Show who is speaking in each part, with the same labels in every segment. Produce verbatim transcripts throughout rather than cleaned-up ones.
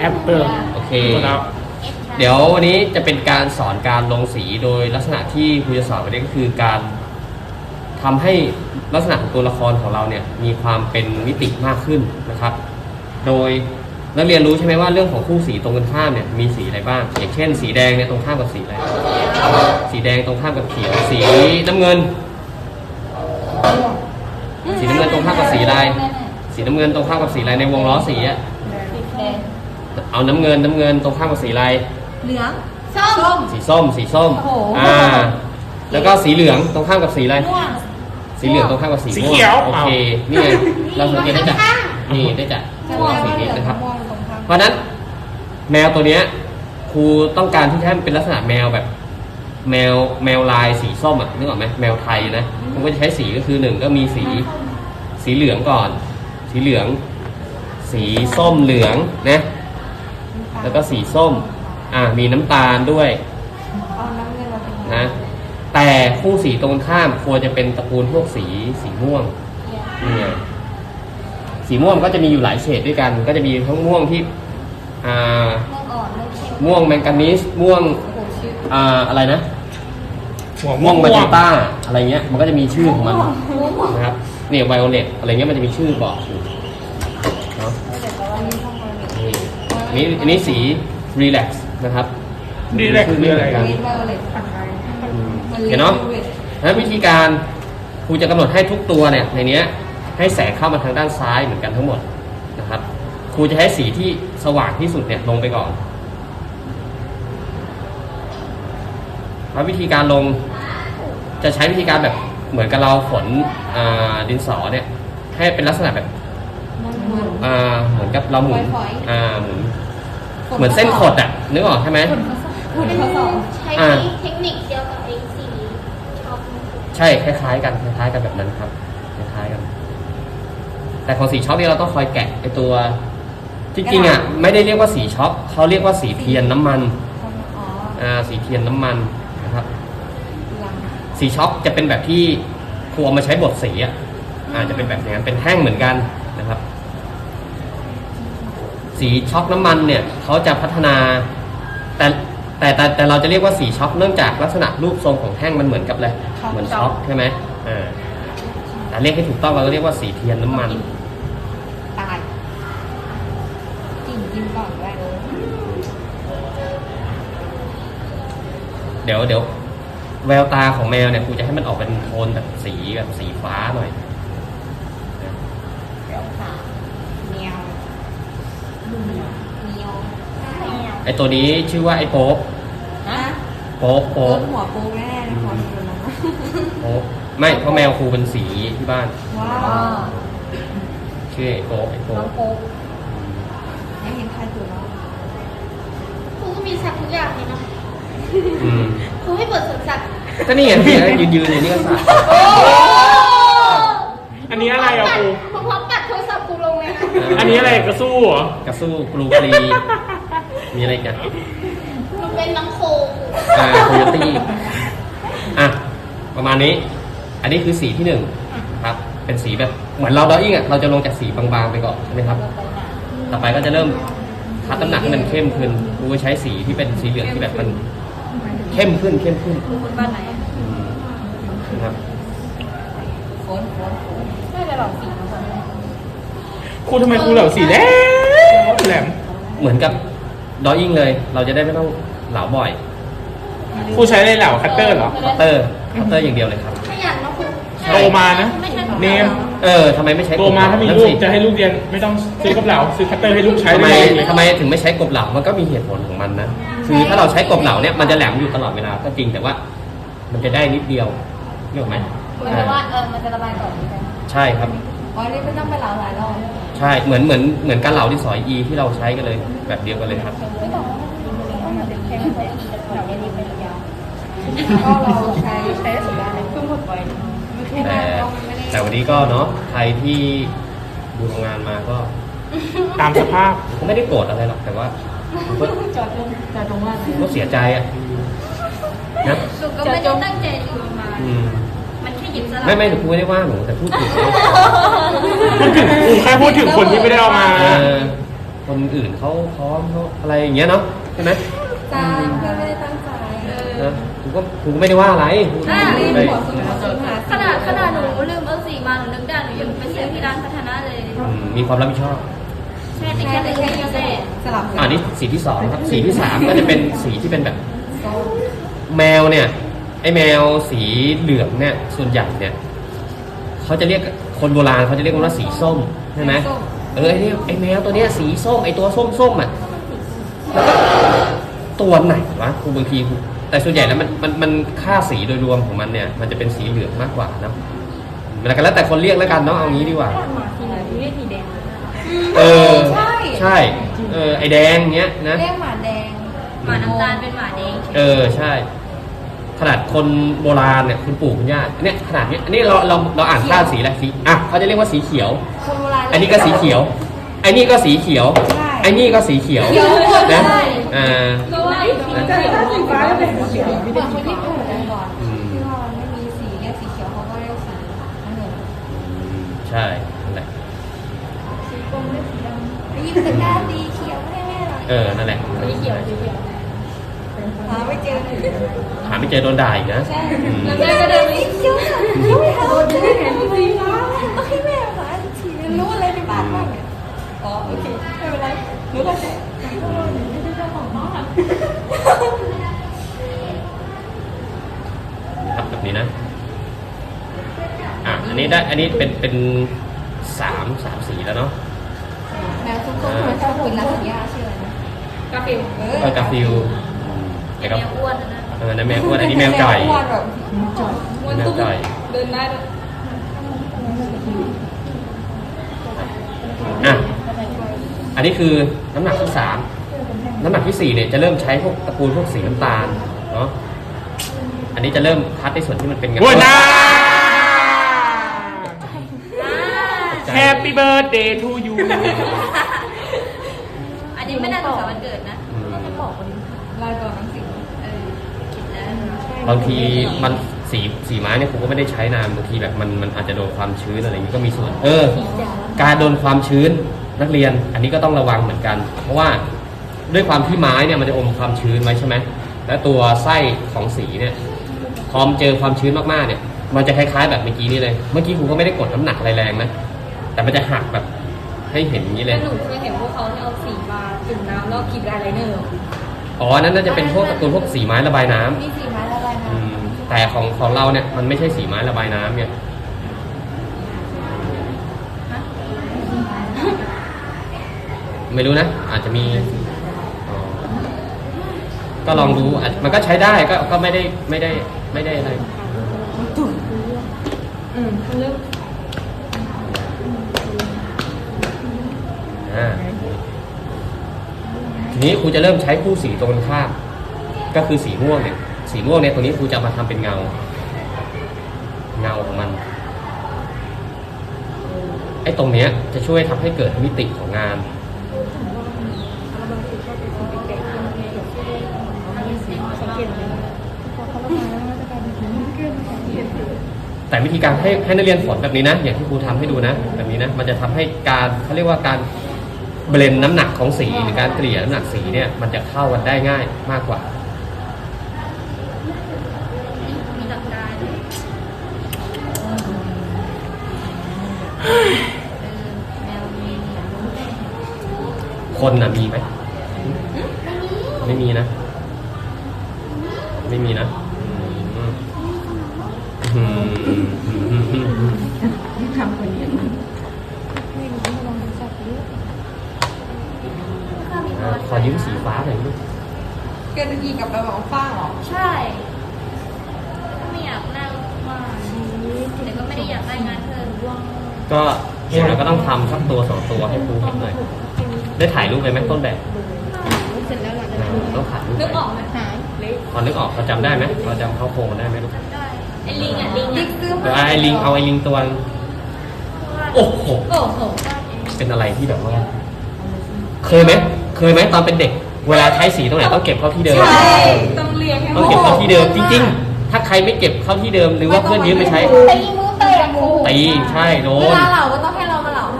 Speaker 1: แอปเปิล
Speaker 2: โอเคเดี๋ยววันนี้จะเป็นการสอนการลงสีโดยลักษณะที่ครูจะสอนวันนี้ก็คือการทำให้ลักษณะของตัวละครของเราเนี่ยมีความเป็นมิติมากขึ้นนะครับ โดยนักเรียนรู้ใช่ไหมว่าเรื่องของคู่สีตรงกันข้ามเนี่ยมีสีอะไรบ้างอย่างเช่นสีแดงเนี่ยตรงข้ามกับสีอะไรสีแดงตรงข้ามกับเขียวสีน้ำเงินสีน้ำเงินตรงข้ามกับสีอะไรสีน้ำเงินตรงข้ามกับสีอะไรในวงล้อสีอะเอาน้ำเงินน้ำเงินตรงข้ามกับสีอะไร
Speaker 3: เหลืองส้ม
Speaker 2: สีส้มสีส้มอ่าแล้วก็สีเหลืองตรงข้ามกับสีอะไรสีเหลืองตรงข้ามกับสีม่วงโอเคนี่ไงเราสังเกตได้จากนี่ได้จากตัวสีนี้นะครับเพราะนั้นแมวตัวเนี้ยครูต้องการที่ให้มันเป็นลักษณะแมวแบบแมวแมวลายสีส้มอ่ะนึกออกไหมแมวไทยนะมันก็จะใช้สีก็คือหนึ่งก็มีสีสีเหลืองก่อนสีเหลืองสีส้มเหลืองนะแล้วก็สีส้มอ่ามีน้ำตาลด้วยนะแต่คู่สีตรงข้ามควรจะเป็นตระกูลพวกสีสีม่วงนี่ไงสีม่วงก็จะมีอยู่หลายเฉดด้วยกันก็จะมีทั้งม่วงที่อ่าม่วงแมงกานีสม่วงอ่าอะไรนะม่วงมาเจนต้าอะไรเงี้ยมันก็จะมีชื่อของมันนะครับเนี่ยไวโอเลตอะไรเงี้ยมันจะมีชื่อบอกอยู่เนาะนี่อันนี้สีรีแลกซ์นะครับ
Speaker 1: รีแลกซ์คืออะไรกัน
Speaker 2: เห็นเนาะนะวิธีการครูจะกำหนดให้ทุกตัวเนี่ยในนี้ให้แสงเข้ามาทางด้านซ้ายเหมือนกันทั้งหมดนะครับครูจะให้สีที่สว่างที่สุดเนี่ยลงไปก่อนแล้ววิธีการลงจะใช้วิธีการแบบเหมือนกับเราฝนดินสอเนี่ยให้เป็นลักษณะแบบเหมือนกับเราหมุนหมุนเหมือนเส้นขดอ่ะนึกออกใช่ไหม
Speaker 3: ใช้เทคนิคเดียวกับไอ้สีช็อป
Speaker 2: ใช่คล้ายๆกันคล้ายๆกันแบบนั้นครับคล้ายๆกันแต่ของสีช็อปนี่เราต้องคอยแกะไอตัวจริงๆอ่ะไม่ได้เรียกว่าสีช็อปเขาเรียกว่าสีเทียนน้ำมันอ่าสีเทียนน้ำมันนะครับสีช็อปจะเป็นแบบที่ครูเอามาใช้บดสีอ่ะอาจจะเป็นแบบนี้เป็นแท่งเหมือนกันนะครับสีช็อกน้ำมันเนี่ยเขาจะพัฒนาแต่แต่แต่แต่เราจะเรียกว่าสีช็อกเนื่องจากลักษณะรูปทรงของแท่งมันเหมือนกับอะไรเหมือนช็อกใช่ไหมอ่าแต่เรียกให้ถูกต้องเราก็เรียกว่าสีเทียนน้ำมัน
Speaker 3: ตายจิ้มจิ้มก่อนแรกเลย
Speaker 2: เดี๋ยวเดี๋ยวแววตาของแมวเนี่ยครูจะให้มันออกเป็นโทนแบบสีแบบสีฟ้าหน่อย
Speaker 3: แววตาแมว
Speaker 2: ไอตัวนี้ชื่อว่าไอโป๊กโป๊กโป๊ก
Speaker 3: หัวโป๊กแน่เลยขอดูนะ
Speaker 2: โป๊กไม่เพราะแมวครูเป็นสีที่บ้าน
Speaker 3: ว้าว
Speaker 2: ชื่อไอโป๊กไอโป๊ก
Speaker 3: โป๊กไม่เห็นใครตัวแล้วครูก็มีสัตว์ทุกอย่างเลยนะครูไม่เปิดสวนสัตว์
Speaker 2: ก็นี่ไงยืนยืนอยู่นี่ก็สัตว์
Speaker 1: อันนี้อะไรอ่ะครู
Speaker 3: พร้อมกัดโทรศัพท์ครูลงเลย
Speaker 1: อันนี้อะไรกระสู้เหร
Speaker 2: อกระสู้กรูกรีมีอะไรกัน
Speaker 3: มันเป็นน้ำโค
Speaker 2: อ่าโคโยตี้อ่ะประมาณนี้อันนี้คือสีที่หนึ่งครับเป็นสีแบบเหมือนเราดออิ่งอ่ะเราจะลงจากสีบางๆไปก่อนใช่ไหมครับต่อไปก็จะเริ่มคัดน้ำหนักให้มันเข้มขึ้นครูใช้สีที่เป็นสีเหลืองที่แบบมันเข้มขึ้นเข้มขึ้น
Speaker 3: บ้านไหน
Speaker 2: ครับ
Speaker 3: โค้นโค้นไม่ได้หรอกสี
Speaker 1: ครูทำไมครูเหล่าสีแดงแหลม
Speaker 2: เหมือนกับดออิ่งเลยเราจะได้ไม่ต้องเหลาบ่อย
Speaker 1: ครูใช้อะไรเหลาคัตเตอร์เหรอ
Speaker 2: คัตเตอร์คัตเตอร์อย่างเดียวเลยครับ
Speaker 3: ขยันนะครู
Speaker 1: โตมานะเนม
Speaker 2: เออทำไมไม่ใช้
Speaker 1: โตมาถ้ามีลูกจะให้ลูกเรียนไม่ต้องซื้อกบเหลาซื้อคัตเตอร์ให้ลูกใช้
Speaker 2: ทำไมทำไมถึงไม่ใช้กบเหลามันก็มีเหตุผลของมันนะคือถ้าเราใช้กบเหลาเนี่ยมันจะแหลมอยู่ตลอดเวลาก็จริงแต่ว่ามันจะได้นิดเดียวเห็นไหม
Speaker 3: เหมือนว่าเออมันจะระบายก่อน
Speaker 2: ใช่ครับ
Speaker 3: อ๋อนี่ไม่ต้องไปเหลาหลายรอบ
Speaker 2: ใช่เหมือนเหมือนเหมือนการเหลาที่สอยอีที่เราใช้กันเลยแบบเดียวกันเลยครับ
Speaker 3: ไม่ต้องมันเป็นแค่ไม่อีเหลาไม่ดีเป็นยาวก็เราใช้ใช้สุดยอดเลยเพิ่งหมดไป
Speaker 2: แต่แต่วันนี้ก็เนาะใครที่ดูโรงงานมาก็
Speaker 1: ตามสภาพ
Speaker 2: ก็ไม่ได้โกรธอะไรหรอกแต่ว่า
Speaker 3: จอดลงจอดลงว่า
Speaker 2: ก็เสียใจอ่ะ
Speaker 3: นะสุก็ไม่ได้ตั้งใจอยู่มามันแค่หยิบสลับ
Speaker 2: ไม่ไม่หนูพูดไม่ได้ว่าหนูแต่พูดถึง
Speaker 1: พูดถึงครูแค่พูดถึงคนที่ไม่ได้เอามา
Speaker 2: เพราคนอื่นเขาพร้อมเขาอะไรอย่างเงี้ยเนาะใช่ไหม
Speaker 3: จ้าเพื่อนไม่ได้ตั้งใจเออ
Speaker 2: นะกูก็กูก็ไม่ได้ว่าอะไรกู
Speaker 3: อ่า
Speaker 2: ไม่
Speaker 3: รีบ
Speaker 2: ได้
Speaker 3: ขอสูงขอสูงหา
Speaker 4: ขนาดขนาดหนูลืมเอาสีมาหนูนึกได้หนูยังไปเสียที่ร้านพัฒนาเลย
Speaker 2: อืมมีความรับผิดชอบ
Speaker 4: ใช่แต่แค่แต่แค่ยังไง
Speaker 3: สลับ
Speaker 2: อ่านี่สีที่สองครับสีที่สามก็จะเป็นสีที่เป็นแบบ แมวเนี่ยไอแมวสีเหลืองเนี่ยส่วนใหญ่เนี่ยเขาจะเรียกคนโบราณเขาจะเรียกว่าสีส้มใช่ไหมเออไอเนี่ยไอแมวตัวเนี้ยสีส้มไอตัวส้มส้มอ่ะแล้วก็ตัวไหนวะครูบางทีแต่ส่วนใหญ่แล้วมันมันมันค่าสีโดยรวมของมันเนี่ยมันจะเป็นสีเหลืองมากกว่าเนาะแล้วกันแล้วแต่คนเรียกแล้วกันเนาะเอางี้ดีกว่า
Speaker 4: ทีไหนที่เรียกสีแดง
Speaker 2: เออ
Speaker 3: ใช่
Speaker 2: ใช่เออไอแดงเงี้ยนะ
Speaker 3: เรียกหมาแดง
Speaker 4: หมาน้ำตาลเป็นหมาแดง
Speaker 2: เออใช่ ขนาดคนโบราณเนี่ยคุณปู่คุณย่าเนี่ยขนาดเนี้ยอันนี้เราเราเราอ่านค่าสีอะไรสีอ่ะเขาจะเรียกว่าสีเขียว
Speaker 3: คนโบราณ
Speaker 2: อันนี้ก็สีเขียวไอ้นี่ก็สีเขียวไอ้นี่ก็สีเขียว
Speaker 3: เขียวหมดเล
Speaker 2: นะ
Speaker 3: ย
Speaker 2: อ่า
Speaker 4: ก็ว่าสีฟ้าแล้วเป็นสีเขียว
Speaker 3: เหมือนคนญี่ปุ่นกันก่อน
Speaker 2: อืม
Speaker 3: ที่ว่ามันไม่มีสีเรียกสีเขียวเขาก็เรียกสีน้ำเงิน
Speaker 2: ใช่นั่นแหละ
Speaker 3: สีกรมเรียกสีดำไอ้ยิ้มตะกร้าสีเขียวให้แม่หน่อย
Speaker 2: เออนั่นแหละ
Speaker 4: สีเขียวสีเขียว
Speaker 3: หาไม่เจอ
Speaker 2: หาไม่เจอโดนด่าอีกนะ
Speaker 3: ใช่
Speaker 2: อืม
Speaker 4: แล้วแม่ก็เดินไป
Speaker 3: สีเขียวค่ะไม่เอาไม่เห็นสีฟ้าต้องให้แม่หาสีรู้อะไรในบ้านบ้างเนี่ยอ๋อโอเคไม่เป็นไรรู้แล้วแต่
Speaker 2: ครับแบบนี้นะอ่ะอันนี้ได้อันนี้เป็นเป็นสามสามสีแล้วเนาะ
Speaker 3: แมวทุกคนชอบกินน้ำสัญญาชื่ออะไรนะ
Speaker 4: กาฟิล
Speaker 3: เอ
Speaker 2: เออกาฟิล
Speaker 4: แมวอ้วนนะ
Speaker 2: เออนั่นแมวอ้วนอันนี้แมวไก่
Speaker 3: อ้วนแบบ
Speaker 2: แมวไก่
Speaker 4: เดินได้ด้วย
Speaker 2: อ่ะอันนี้คือน้ำหนักที่สามน้ำหนักที่สี่เนี่ยจะเริ่มใช้พวกตระกูลพวกสีน้ำตาลเนาะอันนี้จะเริ่มคัดในส่วนที่มันเป็นงา
Speaker 1: หัวหน้า
Speaker 2: ใจ
Speaker 1: Happy birthday to you
Speaker 4: อันนี้ไม่น่าจะสวันเกิดนะ
Speaker 2: อืม
Speaker 3: ลายตัวหนังสือ
Speaker 4: เออคิดแล้ว
Speaker 2: บางทีมันสีสีไม้เนี่ยผมก็ไม่ได้ใช้นานบางทีแบบมันมันอาจจะโดนความชื้นอะไรอย่างนี้ก็มีส่วน เออ การโดนความชื้นนักเรียน อันนี้ก็ต้องระวังเหมือนกัน เพราะว่าด้วยความที่ไม้เนี่ยมันจะอมความชื้นไว้ใช่ไหมแล้วตัวไส้ของสีเนี่ยพอมนเจอความชื้นมากๆเนี่ย มันจะคล้ายๆแบบเมื่อกี้นี่เลย เมื่อกี้ครูก็ไม่ได้กดน้ำหนักอะไรแรงนะแต่มันจะหักแบบให้เห็นอย่างนี้เลย
Speaker 4: หนูเคยเห็นพวกเขาที่เอาสีมาจุ่มน้ำแล้วขีดลายไลเนอร์
Speaker 2: อ๋ออันนั้นน่าจะเป็นพวกการ์ตูนพวกสีไม้ระบายน้ำ
Speaker 3: มีสีไม้ละลายน้
Speaker 2: อืมแต่ของของเราเนี่ยมันไม่ใช่สีไม้ระบายน้ำเนี่ยไม่รู้นะ อาจจะมีอ๋อก็ลองดูอาจมันก็ใช้ได้ก็ก็ไม่ได้ไม่ได้ไม่ได้อะไร
Speaker 4: อืมเริ่ม
Speaker 2: อ่าทีนี้ครูจะเริ่มใช้คู่สีตรงกันข้ามก็คือสีม่วงเนี่ย สีม่วงเนี่ยตรงนี้ครูจะมาทำเป็นเงา เงาของมัน ไอ้ตรงเนี้ยจะช่วยทำให้เกิดมิติของงาน แต่วิธีการให้ให้นักเรียนฝนแบบนี้นะ อย่างที่ครูทำให้ดูนะ แบบนี้นะ มันจะทำให้การเขาเรียกว่าการเบลนน้ำหนักของสีหรือการเกลี่ยน้ำหนักสีเนี่ย มันจะเข้ากันได้ง่ายมากกว่า
Speaker 4: มีหลักการ แมวมี
Speaker 2: คนน่ะมีไหม ไม่มีนะ ไม่มีนะอืมอืมอืมอืมอืม
Speaker 3: ำทำคนเดียวไม่รู้ลองจับดู
Speaker 4: ข้ามี
Speaker 2: อ่าขอยืมสีฟ้าหน่อยลูก
Speaker 3: เกินอีกับเราบอกฟ้าหรอ
Speaker 4: ใช่ไม่อยากนั่งมากแต่ก็ไม่ได้อยากได้งานเพิ่ม
Speaker 2: ก็อย่างน้อยก็ต้องทำสักตัวสองตัวให้ครูเห็นหน่อย ได้ถ่ายรูปไปไหมต้นแบบ
Speaker 4: เสร็จแล้วหลังจาก
Speaker 2: อ่า
Speaker 4: นั้น
Speaker 2: ต้องถ่ายรูป
Speaker 4: นึก
Speaker 2: ไป
Speaker 4: ออกไหมหายเล็ก
Speaker 2: พอนึกออกเขาจำได้ไหมเราจำเข้าโครงได้ไหมลูก
Speaker 4: ได้ไอ้ลิงอ่ะลิง
Speaker 3: ลิ
Speaker 4: อ่ะ
Speaker 3: กซื้อ
Speaker 2: เดี๋ยว
Speaker 3: มา
Speaker 2: ไอ้ลิงเอาไอ้ลิงตัวโอ้โห
Speaker 4: โอ้โห
Speaker 2: เป็นอะไรที่แบบว่า เคยไหมเคยไหมตอนเป็นเด็ก เวลาใช้สีตรงไหนต้องเก็บเข้าที่เดิม
Speaker 3: ใช่
Speaker 4: ต้องเรียงให้
Speaker 2: ต้องเก็บเข้าที่เดิมจริงๆ ถ้าใครไม่เก็บเข้าที่เดิมหรือว่าเพื่อนยืมไปใช้
Speaker 3: ตีมือเตะหมู
Speaker 2: ตีใช่โด
Speaker 3: เวน ลาเหล่าก็ต้องให้เรามาเหล่าให้ด้วยนะอย่า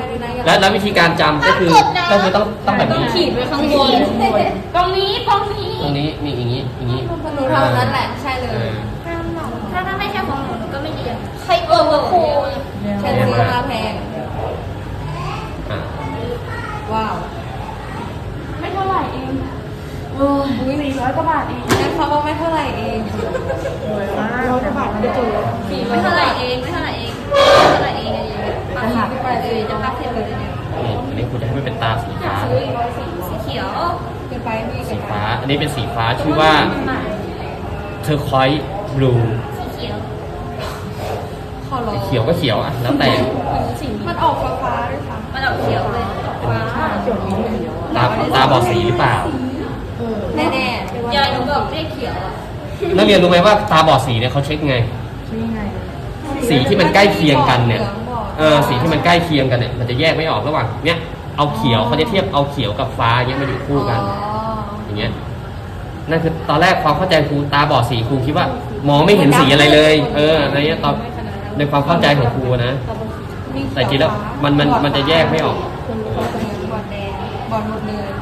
Speaker 2: แล้วแล้ววิธีการจำก็คือก็คือต้องต้องแบบ
Speaker 4: ต้อง
Speaker 2: นี้
Speaker 4: ขีดไว้ข้างบนตรงนี้ตรงนี้
Speaker 2: ตรงนี้มีอย่างนี้อย่างนี้
Speaker 3: หนูทำนั้นแหละใช่เลย
Speaker 2: เออ
Speaker 4: ถ้าถ้าไม่ใช่ของหนูหนูก็ไม่เรียนใครเออว่าครู
Speaker 3: ฉันซื้อมาแพง
Speaker 2: อ่ะ
Speaker 3: ว้าว
Speaker 4: ไม่เท่าไหร่เองโอ้ยสี่ร้อยกว่าบาทเอง
Speaker 3: งั้นเขาบอกไม่เท่าไหร่เอง
Speaker 4: ร้อยกว่าบาทไม่ถูกสี่ไม่เท่าไหร่เองไม่เท่าไหร่เองไม่เท่าไหร่เองอันนี้ปักหลักไปเลยจะพักเสร็จเลยเนี่ย
Speaker 2: นี่อันนี้คุณจะให้มันเป็นตาสีฟ้า
Speaker 4: ซื้ออีกร้อยสีสีเขียว
Speaker 3: เกินไปพี่เกิ
Speaker 2: สี
Speaker 3: นไป
Speaker 2: ฟ้า อันนี้เป็นสีฟ้าชื่อว่าเทอร์คอยบลู
Speaker 4: สีเขียว
Speaker 3: ขอร้อง
Speaker 2: เขียวก็เขียวอ่ะแล้วแต่
Speaker 3: มันออกฟ้าฟ้าๆด้วยซ้
Speaker 4: มันออกเขียวเลยฟ้า
Speaker 2: ตาตาบอดสีหรือเปล่า
Speaker 3: ำแน่ๆ
Speaker 4: ยายหนูบอกเรียกเขียวอ่ะ
Speaker 2: นักเรียนรู้ไหมว่าตาบอดสีเนี่ยเขาเช็คไง สีที่มันใกล้เคียงกันเนี่ย เออสีที่มันใกล้เคียงกันเนี่ยมันจะแยกไม่ออกระหว่างเนี้ยเอาเขียวเขาจะเทียบเอาเขียวกับฟ้าเนี้ยมาอยู่คู่กัน
Speaker 3: อ๋อ
Speaker 2: อย่างเงี้ยนั่นคือตอนแรกความเข้าใจครูตาบอดสีครูคิดว่ามองไม่เห็นสีอะไรเลย เอออะไรเงี้ยตอนในความเข้าใจของครูนะ แต่จริงแล้วมันมันมันจะแยกไม่ออก
Speaker 3: บอลแดงบอลหมดเลย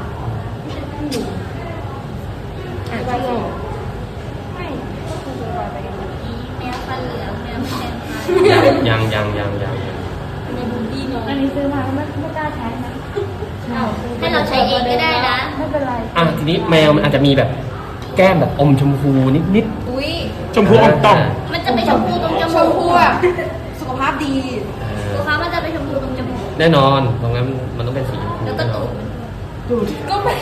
Speaker 3: อ่านชื่อ
Speaker 4: แมวฟันเหลืองแมวแดงฟัน
Speaker 2: ยังยังยังยังยัง
Speaker 4: อันนี้ซื้อมาไม่ไม่กล้าใช้นะให้เราใช้เองก็ได้นะไม่เป็นไร
Speaker 2: อ่ะทีนี้แมวมันอาจจะมีแบบแก้มแบบอมชมพูนิดนิด
Speaker 3: อุ้ย
Speaker 1: ชมพูอมต่อม
Speaker 4: มันจะไปชมพูตรงจ
Speaker 3: ช
Speaker 4: มู
Speaker 3: ม
Speaker 4: ก
Speaker 3: พูแบบสุขภาพดี
Speaker 4: ลูกค้ามันจะไปชมพูตรงจมูก
Speaker 2: แน่นอนตรงนั้นมันต้องเป็นสีชมพู
Speaker 4: แล้วก็
Speaker 2: แน่นอ
Speaker 4: ตู
Speaker 2: น
Speaker 4: ด
Speaker 3: ก็ไม่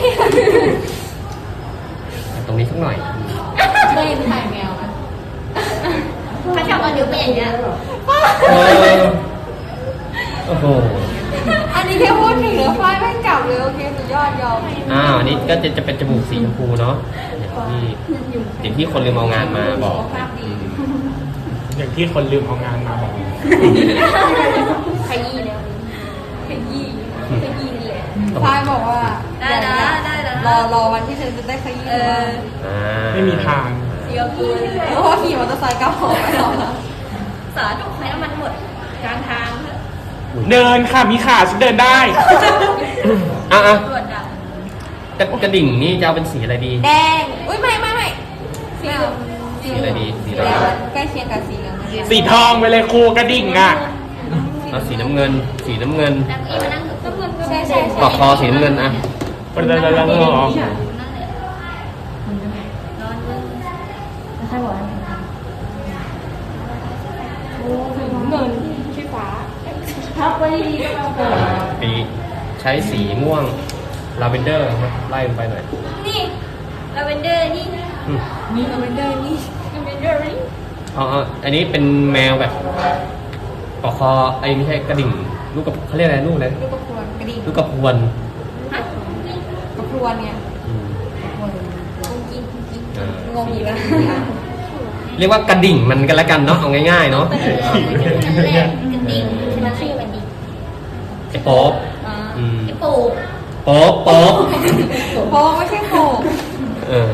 Speaker 2: ตรงนี้สักหน่อย
Speaker 3: ได้ถ่ายแมวนะ
Speaker 4: ถ้าชอบเอานิ้วไปอย่างเงี้ย
Speaker 2: เออโอ้โห
Speaker 3: อันนี้แค่พูดถึงเนื้อฝ้ายไม่กลับเลยโอเคสุดยอดยอม
Speaker 2: อ้าวอันนี้ก็จะจะเป็นจมูกสีชมพูเนาะอย่างที่อย่างที่คนลืมเอางานมาบอก
Speaker 3: สุขภาพดี
Speaker 1: อย่างที่คนลืมเอางานมาบอก
Speaker 4: ขยี้แล้วขยี้ขยี้นี่แหละ
Speaker 3: ฝ้ายบอกว่า
Speaker 4: ได้นะได้นะ
Speaker 3: รอรอวันที่เธอจะได้ขยี้
Speaker 4: เออ
Speaker 2: อ่า
Speaker 1: ไม่มีทาง
Speaker 4: เสียวกูเลย
Speaker 3: เพราะว่าขี่มอเตอร์ไซค์กลับหอไปแล้ว
Speaker 4: สาธุให้น้ำมันหมดกลางทางเถอะ
Speaker 1: เดินค่ะมีขาฉันเดินได้
Speaker 2: อ่ะอ่ะ
Speaker 4: ตรวจดับ
Speaker 2: กระกระดิ่งนี่จะเอาเป็นสีอะไรดี
Speaker 3: แดงอุ้ยไม่ไม่ไม่สีเหลือง
Speaker 2: สีอะไรดีสี
Speaker 3: สี
Speaker 2: อะไร
Speaker 3: แด
Speaker 2: ดี
Speaker 3: งใกล้เคียงกับสีเหลืองเหมือนกัน
Speaker 1: สีทองไปเลยครูกระดิ่งอ่ะ
Speaker 2: เอาสีน้ำเงิน สีน้ำเงิน
Speaker 4: แล้วอีมานั่งก็เงินก็
Speaker 3: ใช่ใช่ใช่
Speaker 2: ปอกคอสีน้ำเงินอ่ะ
Speaker 1: เป็นอะไรแล้วเหรอ
Speaker 4: นั่นแหละนอนมึง
Speaker 2: ปีใช้สีม่วงลาเวนเดอร์ครับไล่ลงไปหน่อย
Speaker 4: นี่ลาเวนเดอร์นี่
Speaker 2: อืม
Speaker 3: นี่เราเป็นเดินนี่
Speaker 4: ลาเวนเดอร์นี่
Speaker 2: อ๋ออ๋ออันนี้เป็นแมวแบบปอกคอไอ้ไม่ใช่กระดิ่ง ลูกกับเขาเรียกอะไรลูกอะไร
Speaker 3: ลูกกระพวนกระดิ่ง
Speaker 2: ลูกกระพวน
Speaker 4: ฮะนี่
Speaker 3: กระพวนเนี่ย
Speaker 2: อืม
Speaker 3: กระพวนกุ้งกิ้งกุ้งกิ้ง
Speaker 2: เออ
Speaker 3: งงอีกแล้ว
Speaker 2: เรียกว่ากระดิ่งมันกันละกันเนาะเอาง่ายๆเนาะ
Speaker 4: นั่นแหละกระดิ่งมันชื่อมันดิ่ง
Speaker 2: ไอ้โป๊บ
Speaker 4: อ่า
Speaker 2: อืม
Speaker 4: ไอ้ปู
Speaker 2: โป๊บโป๊บ
Speaker 3: เพราะว่าไม่ใช่โขก
Speaker 2: เออ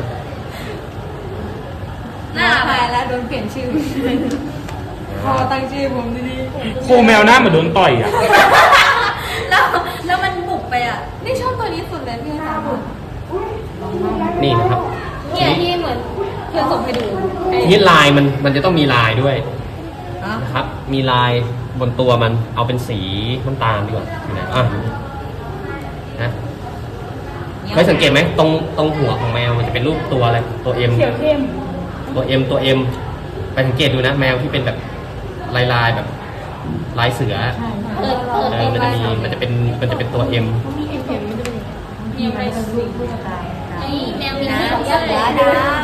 Speaker 4: หน้า
Speaker 3: ตายแล้วโดนเปลี่ยนชื่อพอตั้งชื่อผมดี
Speaker 1: ครูแมวหน้าเหมือนโดนต่อยอ่ะ
Speaker 4: แล้วแล้วมันบุกไปอ่ะ
Speaker 3: ๆนี่ชอบตัวนี้สุดเลยพี่ค่ะ
Speaker 2: นี่นะครับ
Speaker 4: เนี่ยที่เหมือนเพื่อนส่งให้ดูไอ้
Speaker 2: ทีนี้ลายมันมันจะต้องมีลายด้วย
Speaker 3: ฮะ
Speaker 2: นะครับ มีลายบนตัวมันเอาเป็นสีน้ำตาลดีกว่าอยู่ไหนอ่ะนะเคยสังเกตไหมตรงตรงหัวของแมวมันจะเป็นรูปตัวอะไรตัวเอ็มตัวเอ็มตัวเอ็มไปสังเกตดูนะ แมวที่เป็นแบบลายลายๆแบบลายเสือ
Speaker 4: เปิดเปิด
Speaker 2: เออมันจะมีมันจะเป็นมันจะเป็นตัวเอ็ม
Speaker 4: มีอะไรสุดไอ้แมวมีสี
Speaker 3: เสือ
Speaker 4: ด้วย
Speaker 3: ดาว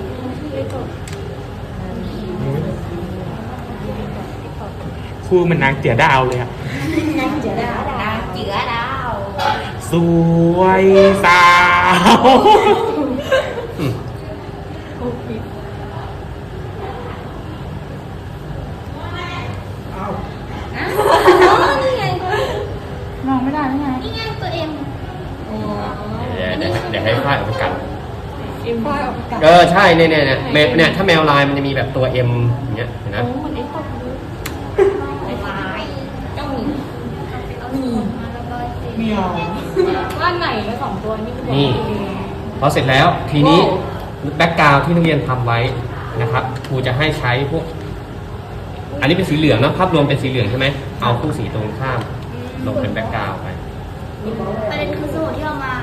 Speaker 1: ครูเหมันนางเจียดาวเลยอ่ะ
Speaker 3: นางเจือดาว
Speaker 1: สวยสาว
Speaker 2: อืม
Speaker 4: อ๋อนี่ไง
Speaker 3: มองไม่ได้ไง
Speaker 4: นี่ไงตัวเอ็ม
Speaker 2: เดี๋ยวเดี๋ยวเดี๋ยวให้ฝ้ายเอาไปกัด
Speaker 3: เอ็มฝ้ายออกไปกัด
Speaker 2: เออใช่เนี่ยเนี่ยเนี่ยแมวเนี่ยถ้าแมวลายมันจะมีแบบตัวเอ็มอย่างเงี้ยเห็นไหม
Speaker 4: ไอ้ลายต้องมีต้องมี
Speaker 1: มียว
Speaker 3: บ้านไหนแล้วสองตัวนี่คือ
Speaker 2: นี่พอเสร็จแล้วทีนี้แบ็กกราวด์ที่นักเรียนทำไว้นะครับครูจะให้ใช้พวกอันนี้เป็นสีเหลืองนะภาพรวมเป็นสีเหลืองใช่ไหมเอาคู่สีตรงข้ามลงเป็นแบ็กกราวด์ไป
Speaker 4: ประเด็นคือสมุดที่เรามา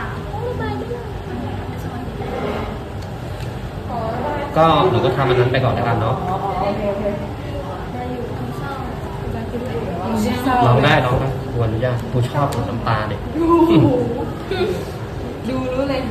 Speaker 2: ก็หนูก็ทำอันนั้นไปก่อนแล้วกันเนาะลองได้ลองได้ครูอนุญาตครูชอบน้ำตาเด็ก
Speaker 3: ดูรู้เลย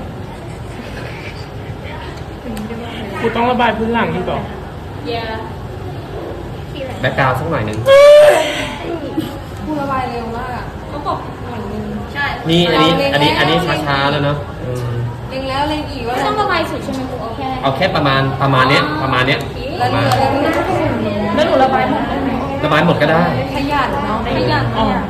Speaker 1: ครูต้องระบายพื้นหลังที่ก่อน
Speaker 3: เย้
Speaker 2: แบ็กกราวด์สักหน่อยหนึ่ง
Speaker 3: พูดระบายเร็วมากอ่ะเขาบอกเหมือนนึง
Speaker 4: ใช่
Speaker 2: นี่อันนี้อันนี้อันนี้ช้าๆแล้วเนาะอืม
Speaker 3: เล็งแล้วเล็งอีกว่า
Speaker 4: ไม่ต้องระบายสุดใช่ไหมครูเอาแค่
Speaker 2: เอาแค่ประมาณประมาณเนี้ยประมาณเนี้ยป
Speaker 3: แล้ว
Speaker 2: ระมาณ
Speaker 3: แล้วหนูระบายหมดได้ไหม
Speaker 2: ระบายหมดก็ได้
Speaker 3: ขยันเนาะขยันขยัน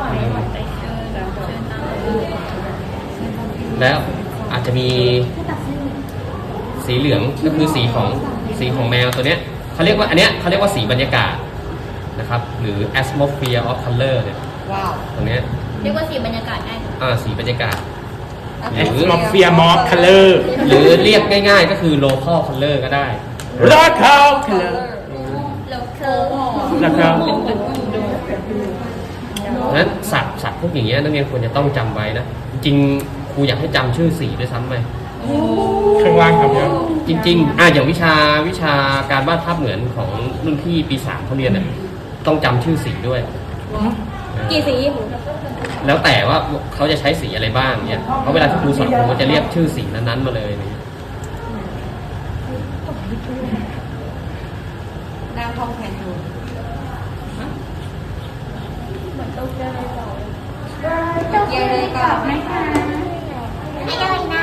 Speaker 2: แล้วอาจจะมีสีเหลืองก็คือสีของสีของแมวตัวเนี้ยเขาเรียกว่าอันเนี้ยเขาเรียกว่าสีบรรยากาศนะครับหรือ atmosphere of color เนี่ย
Speaker 3: ว้าว
Speaker 2: ตรงเนี้ย
Speaker 4: เรียกว่าสีบรรยากาศได้
Speaker 2: อ่าสีบรรยากาศ
Speaker 1: แอสมอฟเฟียมอฟคัลเลอร์
Speaker 2: หรือเรียกง่ายๆก็คือ local color ก็ได้
Speaker 1: รอคาคัลเลอร์
Speaker 4: แล้วเคิร์
Speaker 1: ราคา
Speaker 2: เพราะฉะนั้นศัพท์ศัพท์พวกอย่างเงี้ยนักเรียนควรจะต้องจำไว้นะ จริงๆครูอยากให้จำชื่อสีด้วยซ้ำไป
Speaker 1: ข้างล่างครับเนี่ย
Speaker 2: จริงๆอ่ะอย่างวิชาวิชาการวาดภาพเหมือนของรุ่นพี่ปีสามเขาเรียนเนี่ยต้องจำชื่อสีด้วย
Speaker 3: กี่สี
Speaker 2: แล้วแต่ว่าเขาจะใช้สีอะไรบ้างเนี่ยเพราะเวลาที่ครูสอนครูก็จะเรียกชื่อสีนั้นๆมาเลยเนี่ย
Speaker 3: นางทองแผ่นดูเย้เลยก่อนไหมคะ
Speaker 4: ไอ้อะไรนะ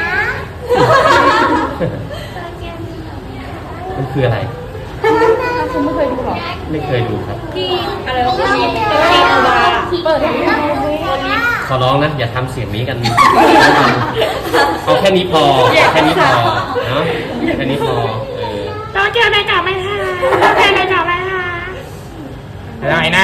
Speaker 2: มันคืออะไร
Speaker 3: คุณไม่เคยดูหรอ
Speaker 2: ไม่เคยดูครับ
Speaker 3: ที่อะไรวะที่ที่เอาบาเปิดให้ดู
Speaker 2: ขอร้องนะอย่าทำเสียงนี้กัน เอาแค่นี้พอแค่นี้พอเนาะแค่นี้พอเออ
Speaker 1: รอเจอในกลับไหมฮะรอเจอในกลับไหมฮะได้นะ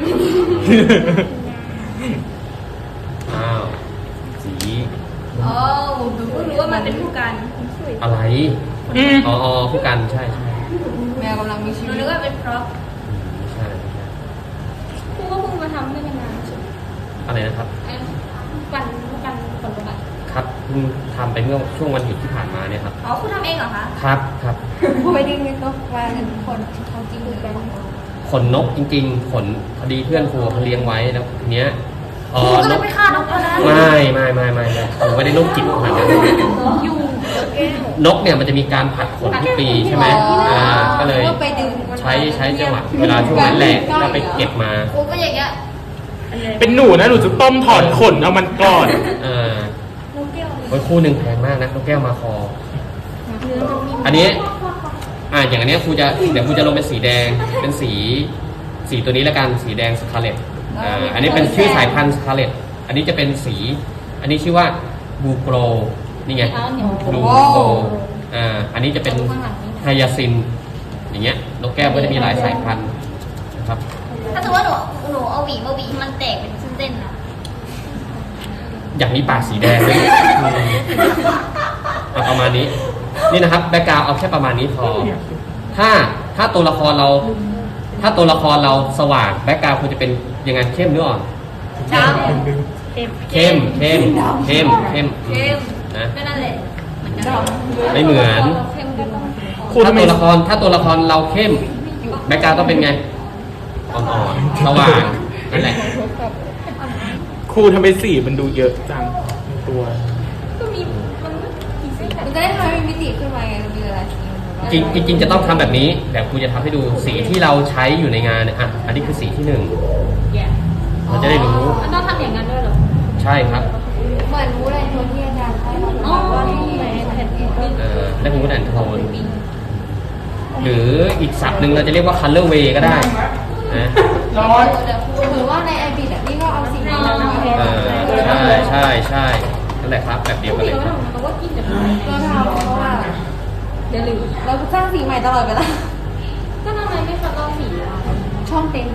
Speaker 2: อ้าวสี
Speaker 4: อ๋อหนูเพิ่งรู้ว่ามันเป็นผู้กัน
Speaker 2: อะไร
Speaker 1: อืม
Speaker 2: อ๋ออ๋อผู้กันใช่ใช่
Speaker 3: แมวกำลังมีชี
Speaker 4: หนู
Speaker 3: วิต
Speaker 4: นึกว่าเป็นพร็อพ
Speaker 2: ไม่ใช่ไม่ใช่
Speaker 4: ครูก็เพิ่งมาทำได้ไม่นานใช่ไหม
Speaker 2: อะไรนะครับ
Speaker 4: ไอ้กันกันคนละกัน
Speaker 2: ครับเพิ่งทำไปเมื่อช่วงวันหยุดที่ผ่านมาเนี่ยครับ
Speaker 4: อ๋อครูทำเองเหรอคะ
Speaker 2: ครับครับ
Speaker 3: ผู้ไม่ได้เงินก็มาเงินคนเขาจริงกัน
Speaker 2: ขนนกจริงๆ ขนพอดีเพื่อนครูเขาเลี้ยงไว้แล้วทีเนี้ยพ
Speaker 4: ค
Speaker 2: อ
Speaker 4: รูก็
Speaker 2: น
Speaker 4: เลย
Speaker 2: ก
Speaker 4: ไปฆ่านกตัวนั้น
Speaker 2: ไม่ไม่ไม่ไม่ไม่ผมไม่ได้นกจิตขนาดนั้น
Speaker 3: อยู่
Speaker 2: นกเนี่ยมันจะมีการผัดขนทุกปีใช่ไหมอ่าก็เลย
Speaker 3: ไปดึง
Speaker 2: ใช้ใช้จังหวะเวลาช่วงนั้นแหละแล้วไปเก็บมา
Speaker 4: ครูก็อย่างเงี้ย
Speaker 1: เป็นหนูนะหนูจะต้มถอนขนเอามันก่อน
Speaker 2: เออโอ้ยคู่หนึ่งแพงมากนะนกแก้วมาคอ อันนี้อ่าอย่างอันเนี้ยครูจะเดี๋ยวครูจะลงเป็นสีแดงเป็นสีสีตัวนี้แล้วกันสีแดงสคาเลตอ่าอันนี้เป็นชื่อสายพันธุ์สคาเลตอันนี้จะเป็นสี อันนี้ชื่อว่าบูโกรนี่ไงบูโกรอ่าอันนี้จะเป็นไฮยาซินอย่างเงี้ยนกแก้วก็จะมีหลายสายพันธุ์นะครับ
Speaker 4: ถ้าสมมติว่าหนูหนูเอาหวีมาหวีให้มันแตกเป็นเส้นๆนะ
Speaker 2: อย่างนี้ปากสีแดงเลยอืมเอาประมาณนี้ นี่นะครับแบ็กกราวเอาแค่ประมาณนี้พอ ถ้าถ้าตัวละครเรา ถ้าตัวละครเราสว่างแบ็กกราวควรจะเป็นยังไงเข้มหรืออ่อน
Speaker 4: ด
Speaker 2: เข้มเข้มเข้มเข้ม
Speaker 4: ำเข้ม
Speaker 2: นะ
Speaker 4: ก็นั่นแหละเหมือนกัน
Speaker 2: ไม่เหมือน
Speaker 4: เข้มดึง
Speaker 1: ครู
Speaker 2: ถ้า
Speaker 1: ทำไม
Speaker 2: ตัวละครถ้าตัวละครเราเข้มแบ็กกราวต้องเป็นไงอ่อนๆสว่างนั่นแหละ
Speaker 1: ครูทำไมสีมันดูเยอะจังในตัว
Speaker 4: ก็มีมันกี่เส้น
Speaker 3: มันจะได้ทำให้มีมิติขึ้นมาไงมันมีอะไร
Speaker 2: จริงจริงๆจะต้องทำแบบนี้แต่ครูจะทำให้ดูสีที่เราใช้อยู่ในงานเนี่ยอ่ะอันนี้คือสีที่หนึ่ง
Speaker 4: แย่
Speaker 2: เราจะได้รู้
Speaker 4: มันต้องทำอย่างนั้นด้วยเหรอ
Speaker 2: ใช่ครับ
Speaker 3: เหมือนรู้อะไรตัวที่อาจารย์ให้เราว่าที่ไหนแผ่นดิน
Speaker 2: เอ่อและมูดแอนโทนหรืออีกศัพท์หนึ่งเราจะเรียกว่า color way ก็ได้นะ
Speaker 1: ร้อน
Speaker 3: หรือว่าในไอบิดอ่ะนี่ก็เอาสีนี้มาแทน
Speaker 2: เออใช่ใช่ใช่นั่นแหละครับแบบเดียวกันเลยครับ
Speaker 4: เราว่ากินแต่
Speaker 3: เราทำเพราะว่าอย่าลืมเราสร้างสีใหม่ตลอดเวลา
Speaker 4: ก็ทำไมไม่คัดลอกสีอ่ะ
Speaker 3: ช่องเต็ม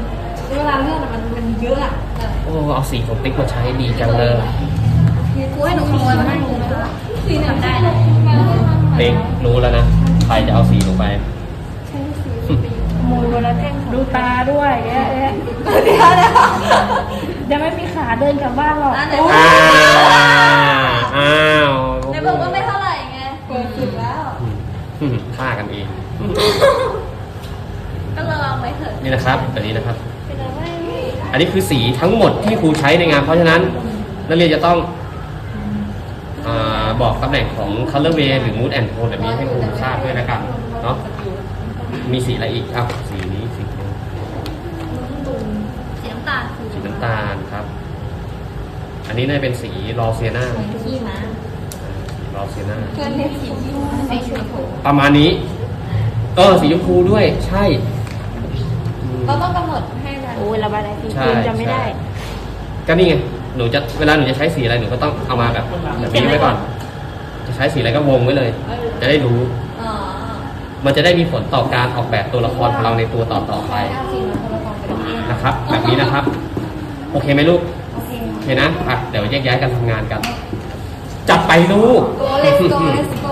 Speaker 3: เวลาเลือกมันมันเยอะอ่ะ
Speaker 2: โอ้เอาสีของติ๊กมาใช้ดีจังเลย
Speaker 4: ครูให้หนูขโมยมาให้ครูไหมคะสีหนึ่งได้นะ
Speaker 2: ติ๊กรู้แล้วนะใครจะเอาสีลงไป
Speaker 3: มูลวันละแท่ง
Speaker 5: ดูตาด้วยแย่แย่
Speaker 3: เดี๋ยวเดี๋ยว
Speaker 5: จะไม่มีขาเดินกลับบ้านหรอก
Speaker 4: อ่ะไหน
Speaker 2: อ้าวอ้าว
Speaker 4: ไหนบอกว่าไม่เท่าไหร่ไง
Speaker 3: เกิดสุดแล้ว
Speaker 2: อืมฆ่ากันเอง
Speaker 4: ก็ระวังไว้เถอะ
Speaker 2: นี่นะครับแบบนี้นะครับ
Speaker 4: เป็นอะไร
Speaker 2: อันนี้คือสีทั้งหมดที่ครูใช้ในงานเพราะฉะนั้นนักเรียนจะต้องอาบอกตำแหน่งของ color way หรือ mood and tone แบบนี้ให้ครูทราบด้วยนะกันเนาะมีสีอะไรอีกอ้าวสีนี้สีนี้
Speaker 4: สีน้ำตาลคือ
Speaker 2: สีน้ำตาลครับ อันนี้น่าจะเป็นสีรอเซียนา
Speaker 4: ขี้ม้า
Speaker 2: สีรอเซียนา
Speaker 3: เพื่อนเรียกสีที่
Speaker 4: สีชมพู
Speaker 2: ประมาณนี้ เออสีชมพูด้วยใช่อืม
Speaker 3: เราต้องกำหนดให้นะ
Speaker 5: โอ้ยระบายอะไรสี
Speaker 2: ใช่
Speaker 5: คืนจำไม่ได้
Speaker 2: ใช่ก็นี่ไงหนูจะเวลาหนูจะใช้สีอะไรหนูก็ต้องเอามาแบบแบบนี้ไว้ก่อน จะใช้สีอะไรก็วงไว้เลย จะได้รู้
Speaker 4: อ๋อ
Speaker 2: มันจะได้มีผลต่อการออกแบบตัวละครของเราในตัวต่อต่อๆไป
Speaker 3: เอาสีมาคนละฟองไปเลย
Speaker 2: นะครับ แบบนี้นะครับ โอเคไหมลูก
Speaker 3: โอเค
Speaker 2: โอเคนะอ่ะเดี๋ยวแยกย้ายกันทำงานกัน จัดไปลูก
Speaker 3: go let's go let's go